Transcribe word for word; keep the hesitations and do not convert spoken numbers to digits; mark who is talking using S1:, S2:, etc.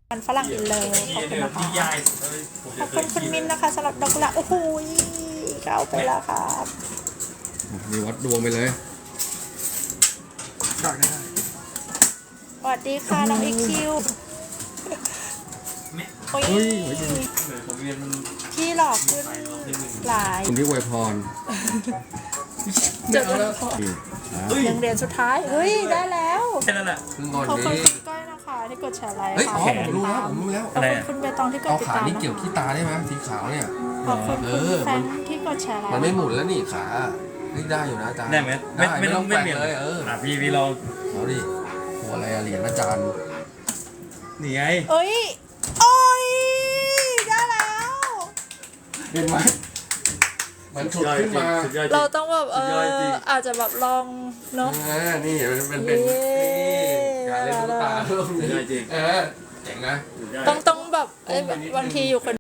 S1: มันฝรั่งอินเลิฟขอบคุณนะคะ
S2: ที่ย่ายสุดเลย
S1: ขอบคุณคุณมินนะคะสำหรับดอกกุหลาบโอ้โหเข้าไปแล้วครับ
S3: มีวัดดวงไปเลยได้ได้
S1: สวัสดีค่ะน้องอีคิวโอ้ย
S3: เฮ้ยหัวใจ
S2: ผมเรียนมัน
S1: ที่หลอกขึ้นหลาย
S3: คุณที่อวยพร
S1: จดแล้วยังเรียนสุดท้ายเฮ้ยได้แล้ว
S2: แค่นั้นแหละ
S3: เพิ่งก่อน
S1: ขอบคุณ
S3: นี้
S1: คุณก้อยนะคะที่กดแชร์ไลค์
S3: เฮ้ย
S1: ค่ะ
S3: อ๋อผมรู้แล้วผมรู้แล้ว
S1: ขอบคุณคุณใบตองที่กด
S3: เอา
S1: ติด
S3: ขา
S1: ตาม
S3: นี่เกี่ยวขี้ตาได้ไหมสีขาวเนี่ย
S1: ขอบคุณ
S3: เอ
S1: คุณ
S3: อ
S1: แฟ
S3: มัน
S1: นที่กดแชร์ไลค์
S3: มันไม่หมุนแล้วนี่ขาเฮ้ยได้อยู่นะอาจารย์
S2: ได้ไหมไม่ไม่ต้อง
S3: แก
S2: ไม่
S3: ว่ง
S2: เปลี่ยน
S3: เลยเออ
S2: อ่ะพี่พี่เรา
S3: เอาดิหัวอะไรอะเหรียญอาจารย์
S2: นี่ไง
S1: เอ้ยโอ้ยได้แล้ว
S3: เห็นไหมมันฉุดขึ้นมา
S2: สุดยอดจริง
S1: เราต้องแบบเอ
S2: สุดยอดจริ
S1: อง อาจจะแบบลองเนาะ
S3: เออนี่มันเป็น
S1: เย้
S3: นี่การเล่นลูกตาเพิ่ม
S2: สุดยอดจริง
S3: เออเจ๋งนะ
S2: สุดยอด
S1: ต้องต้องแบบเอ้ยบางทีอยู่คน